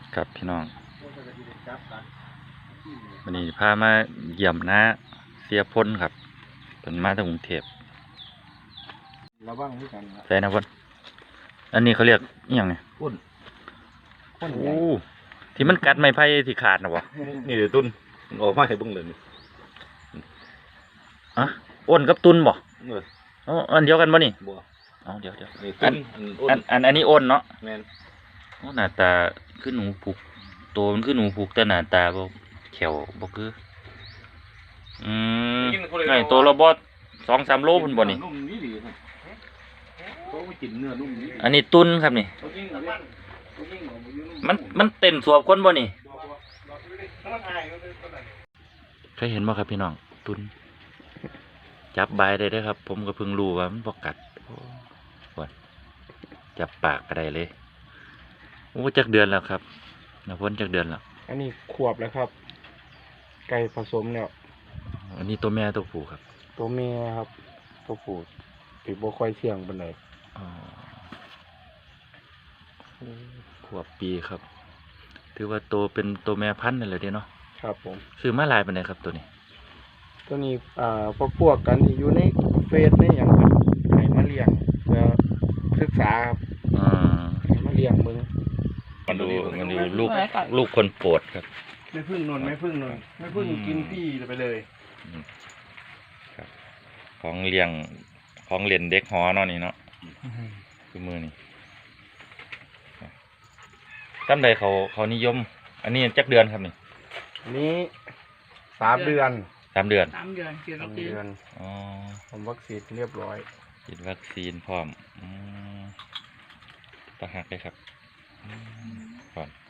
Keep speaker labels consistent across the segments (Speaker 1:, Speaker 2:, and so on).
Speaker 1: กับพี่น้องวันนี้พามาเยี่ยมน้าเสียพ้นครับเป็นมาจากกรุงเทพ
Speaker 2: ระวังด้วยกันครับ
Speaker 1: ใช่นะพ้นอันนี้เขาเรียกอหย่างไง
Speaker 2: ข้น
Speaker 1: โอ้ที่มันกัดไม้ไผ่ที่ขาดนะวะ
Speaker 3: นี่เดี๋ยวตุ้นออกมาให้เบิ่งเลยนี่
Speaker 1: อะอ้นกับตุนบ่
Speaker 3: เออ
Speaker 1: อันเดียวกันบ่นี่
Speaker 3: บ่
Speaker 1: เดี๋ยว
Speaker 3: นี่ตุ้น
Speaker 1: อันนี้อ้นเนาะ
Speaker 3: แม่น
Speaker 1: โอ้หน้าตาคือหนูผูกตัวมันคือหนูผูกแต่หน้าตาบ่แขวบ่คือไงตัวละบ่2-3 โลพุ่นบ่นี่
Speaker 3: นุ่มนี่ดีครับเขาไปกินเนื้อนุ่มนี่
Speaker 1: อันนี้ตุนครับนี่มันเต้นสวบคนบ่นี่เคยเห็นบ่ครับพี่น้องตุนจับใบได้เด้อครับผมก็เพิ่งรู้ว่ามันบ่กัดจับปากก็ได้เลยโอ้จักเดือนแล้วครับนะพ้นจักเดือนแล้ว
Speaker 2: อันนี้ขวบแล้วครับไก่ผสมแล้ว
Speaker 1: อันนี้ตัวแม่ตัวผู้ครับ
Speaker 2: ตัวเมียครับตัวผู้ติดบ่ค่อยเสี่ยงปานใด
Speaker 1: ขวบปีครับถือว่าโตเป็นตัวแม่พันธุ์นั่นเลยเด้เนาะ
Speaker 2: ครับผม
Speaker 1: ซื้อมาหลายปานใดครับตัวนี้
Speaker 2: พวกกันที่อยู่ในเฟซในหยังครับให้มาเลี้ยงเพื่อศึกษาครับให้มาเลี้ยงมึง
Speaker 1: มันดูลูกคนโปรดครับ
Speaker 2: ไม่พึ่งนนไม่พึ่งกินพี่ไปเลย
Speaker 1: ครับของเลี้ยงของเล่นเด็กหอเนาะนี่เนาะคือมือนี่ตั้งใดเขานิยมอันนี้จักเดือนครับนี่
Speaker 2: อันนี้3 เดือน
Speaker 1: 3 เดือน
Speaker 2: ฉีดวัคซีนผมวัคซีนเรียบร้อย
Speaker 1: ฉีดวัคซีนพร้อมตะหักเลยครับก่อน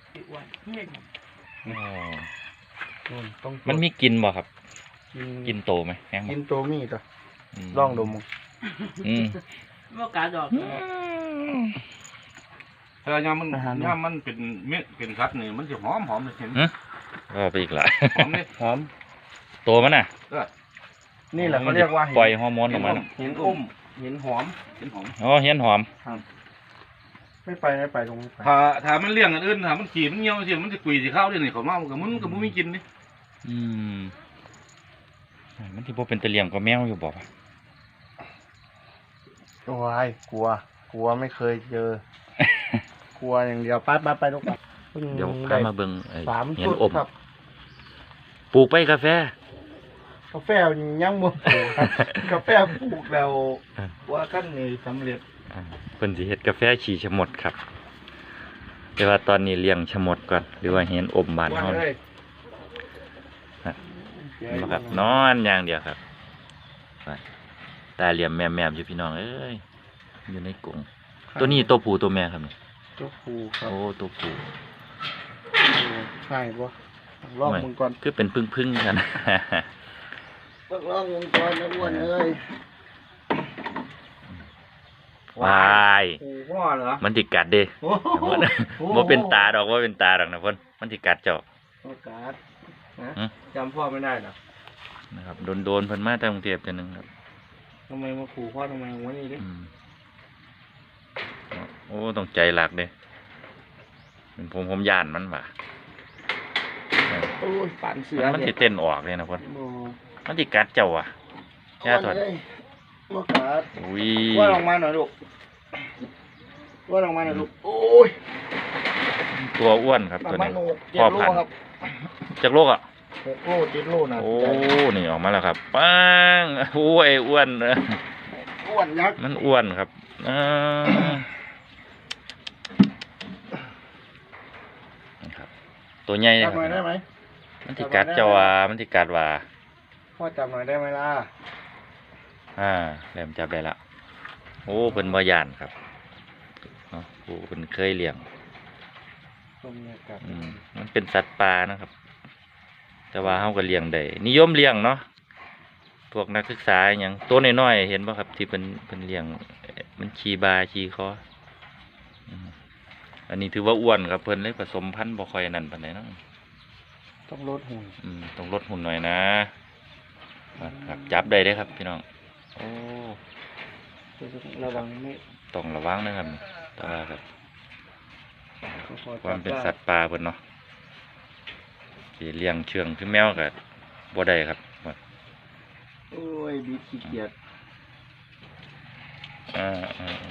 Speaker 1: มันมีกินบ่ครับกินโตไหม
Speaker 2: กินโตมีต่อลองดม
Speaker 4: เมื่อกาดอก
Speaker 3: ถ้ายามมันเป็นเม็ดเป็นคัดนี่มันจะหอมเลยเห็น
Speaker 1: ก็ไปอีกหลาย
Speaker 2: หอม
Speaker 1: โตมันน่ะ
Speaker 2: นี่แหละเขาเรียกว่า
Speaker 1: ปล่อยฮอร์โมนออกมา
Speaker 2: เห็นหอม
Speaker 1: อ๋อเห็นหอม
Speaker 2: ไม่ไปตรงนี้
Speaker 3: ถ้ามันเลี้ยงอันอื่นถ้ามันขี่มันเงี้ยวเสียมันจะกุยสิเข้าด้วยนี่เขาเมากับมันไม่กินนี่
Speaker 1: มันที่พวกเป็นตะเลียงก็แมวอยู่บอก
Speaker 2: โอ้ยกลัวไม่เคยเจอกลัวอย่างเดียวไปลูก
Speaker 1: เดี๋ยวพามาเบิ่ง
Speaker 2: เห็นอบ
Speaker 1: ปลูกไปกาแฟ
Speaker 2: ยังบ่ปลูกกาแฟปลูกแล้วว่าขั้นนี้สำเร็จ
Speaker 1: เพิ่นสิเฮ็ดกาแฟฉี่ชะมดครับแต่ว่าตอนนี้เลี้ยงชะมดก่อนหรือว่าเห็นอมบานเฮาครับนอนอย่างเดียวครับตาเหลี่ยมแม่ๆอยู่พี่น้องเอ้ยอยู่ในกรงตัวนี้ตัวผู้ตัวแม่ครับนี่
Speaker 2: ตัวผู้ครับ
Speaker 1: โอ้ตัวผู้
Speaker 2: ใช่บ่ลองมึงก่อน
Speaker 1: คือเป็นพึ่งๆกัน
Speaker 2: ลองมึงก่อนนะอ้วนเอ้ยว
Speaker 1: ายมันติกัดเด้บ่เป็นตาดอกว่าเป็นตาดอกนะพ่นมันติกัดเจ้า
Speaker 2: กัดจำพ่อไม่ได้หรอ
Speaker 1: นะครับโดนเพิ่นมาจากกรุงเทพฯนึงครับ
Speaker 2: ทำไมมาขู่พ่อทำไมวะนี่ดิ
Speaker 1: โอ้ต้องใจหลักเด้ผมย่านมันว่ะ
Speaker 2: โอ้ยปั่นเสือ
Speaker 1: มันสิเต้นออกเลยนะพ่นมันติกัดเจ้าอ่ะย่าถอด
Speaker 2: ว่ากัดว่าลงมาหน่อยลูกโอ้ย
Speaker 1: ตัวอ้วนครับตัวนี้พ่อพันธุ์จากโลกอ่ะ
Speaker 2: 6 โล 7 โลนะ
Speaker 1: โอ้นี่ออกมาแล้วครับปังโอ้ยอ้วน
Speaker 2: ยักษ์
Speaker 1: มันอ้วนครับครับตัวใหญ่
Speaker 2: จับหน่อยได้ไหม
Speaker 1: มันติกัดเจ้าว่ามันติกัดว่า
Speaker 2: พ่อจับหน่อยได้ไหมล่ะ
Speaker 1: แหลมจับได้ละโอ้เป็นบ่ย่านครับโอ้เป็นเคยเลี้ยงมันเป็นสัตว์ป่านะครับแต่ว่าเขาก็เลี้ยงได้นิยมเลี้ยงเนาะพวกนักศึกษาอย่างตัวน้อยๆเห็นป่ะครับที่เป็นเลี้ยงมันขี่บาขี่คออันนี้ถือว่าอ้วนครับเพิ่นเลยผสมพันธุ์บ่ค่อยนั่นปานใดเนาะ
Speaker 2: ต้องลดหุ่น
Speaker 1: ต้องลดหุ่นหน่อยนะครับจับได้ได้ครับพี่น้องโอ้
Speaker 2: ระวังไม่
Speaker 1: ต้องระวังนะครับแต่ว่าครับความเป็นสัตว์ป่าเพิ่นเนาะสิเลี้ยงเชื่องคือแมวก็บ่ได้ครับ
Speaker 2: โอ้ยบีขี้เกียจ
Speaker 1: อ่า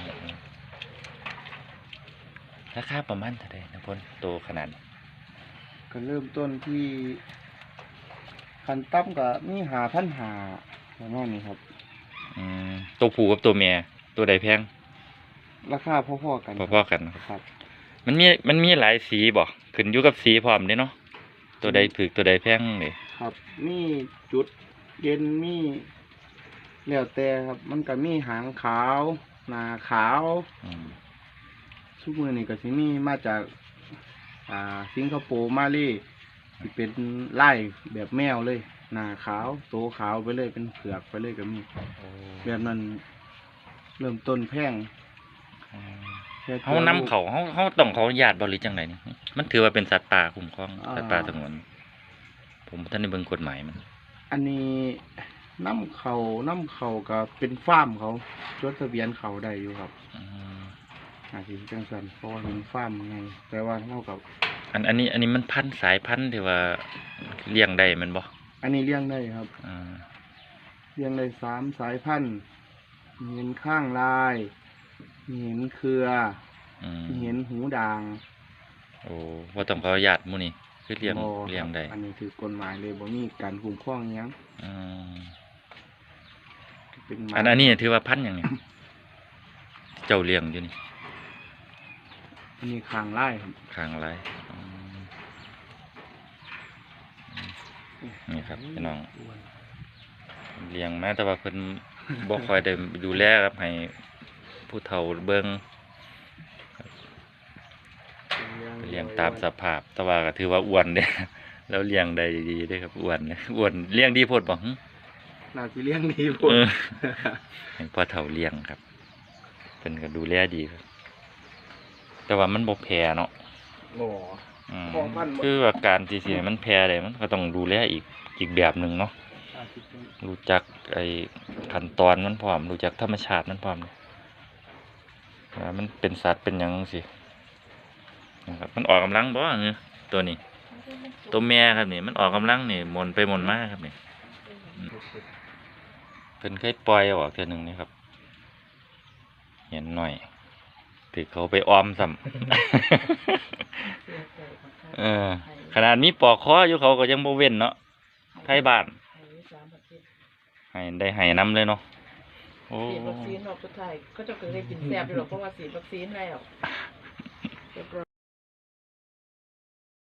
Speaker 1: ราคาประมาณเท่าใดนะพ่นโตขนาดนี้
Speaker 2: ก็เริ่มต้นที่คันตั้มก็มี5,500ประมาณนี้ครับ
Speaker 1: ตัวผู้กับตัวเมียตัวใดแพง
Speaker 2: ราคาพอๆกัน
Speaker 1: พอๆกันเนาะ
Speaker 2: ครับ
Speaker 1: มันมีหลายสีบ่ขึ้นอยู่กับสีพร้อมเด้เนาะตัวใดถูกตัวใดแพงนี่
Speaker 2: ครับมีจุดเด่นมีแล้วแต่ครับ มันก็มีหางขาวหน้าขาว
Speaker 1: อืม
Speaker 2: ทุกมือนี่ก็สิมีมาจากสิงคโปร์มาเลยที่เป็นไล่แบบแมวเลยหน้าขาวโตขาวไปเลยเป็นเผือกไปเลยก็มีแบบนั้นเริ่มต้นแพงแค่ตัว
Speaker 1: เฮานำเขาเฮาต้องขออนุญาตบ่หรือจังไดนี่มันถือว่าเป็นสัตว์ป่าคุ้มครองสัตว์ป่าสงวนผมบ่ทันได้เบิ่งกฎหมายมัน
Speaker 2: อันนี้น้ำเขาก็เป็นฟาร์มเขาจดทะเบียนเขาได้อยู่ครับ
Speaker 1: อืม
Speaker 2: อาจจะจังสันเพราะว่าเป็นฟาร์มไงแต่ว่าเท่ากับ
Speaker 1: อันนี้มันพันธุ์สายพันธุ์ที่ว่าเลี้ยงได้แมันบ่
Speaker 2: อันนี้เลี้ยงได้ครับ
Speaker 1: อ่า
Speaker 2: เลี้ยงได้3 สายพันธุ์มีเห็นข้างลายมีเห็นเครือ
Speaker 1: อืม
Speaker 2: มีเห็นหูด่าง
Speaker 1: โอ้บ่ต้องขออนุญาตหมู่นี่คือเลี้ยง
Speaker 2: บ่ครับ
Speaker 1: เลี้ยงได้
Speaker 2: อันนี้คือกฎหมายเลยบ่มีการคุ้มครองหยัง
Speaker 1: อืม
Speaker 2: เป็นหมา
Speaker 1: อันนี้ถือว่าพันธุ์หยังนี่ เจ้าเลี้ยงอยู่นี่
Speaker 2: อันนี้ข้างลายครับ
Speaker 1: ข้างไรนี่ครับพี่น้องเลี้ยงมาแต่ว่าเพิ่น บ่ค่อยได้ดูแลครับให้ผู้เฒ่าเบิ่งเลี้ยงตามสภาพ แต่ว่าก็ถือว่าอ้วนเด้ แล้วเลี้ยงได้ดีเด้ครับอ้วนเนี่ยอ้วนเลี้ยงดีโพดบ่หึ
Speaker 2: น่าสิเลี้ยงดีพุ่น
Speaker 1: เออ ให้พ่อเฒ่าเลี้ยงครับเพิ่นก็ดูแลดีครับ แต่ว่ามันบ่แพ้เนาะ
Speaker 2: บ่
Speaker 1: อืม
Speaker 2: ของพันธุ์บ่
Speaker 1: คือว่าการที่สิให้มันแพร่ได้มันก็ต้องดูแลอีกแบบหนึ่งเนาะ
Speaker 2: อาจสิเป็น
Speaker 1: รู้จักไอ้ขั้นตอนมันพร้อม รู้จักธรรมชาติมันพร้อมว่ามันเป็นสัตว์เป็นหยังสินะครับมันออกกำลังบ่เงี้ยตัวนี้ ตัวแม่ครับนี่มันออกกำลังนี่หมุนไปหมุนมาครับนี่เพิ่นเคยปล่อยออกเทื่อหนึงนี่ครับ เห็นหน่อยถือเขาไปออมซ้ำ ขนาดมีปอกคออยู่เขาก็ยังบ่เว้นเนาะไทยบ้านให้น้ำเลยเนาะโอ้
Speaker 4: ฉีดวัคซีนรอบสุดท้ายก็จะเกิดได้กินแซ่บอยู่หรอกเพราะว่าฉีดวัคซีนแล้วเรียบร้อย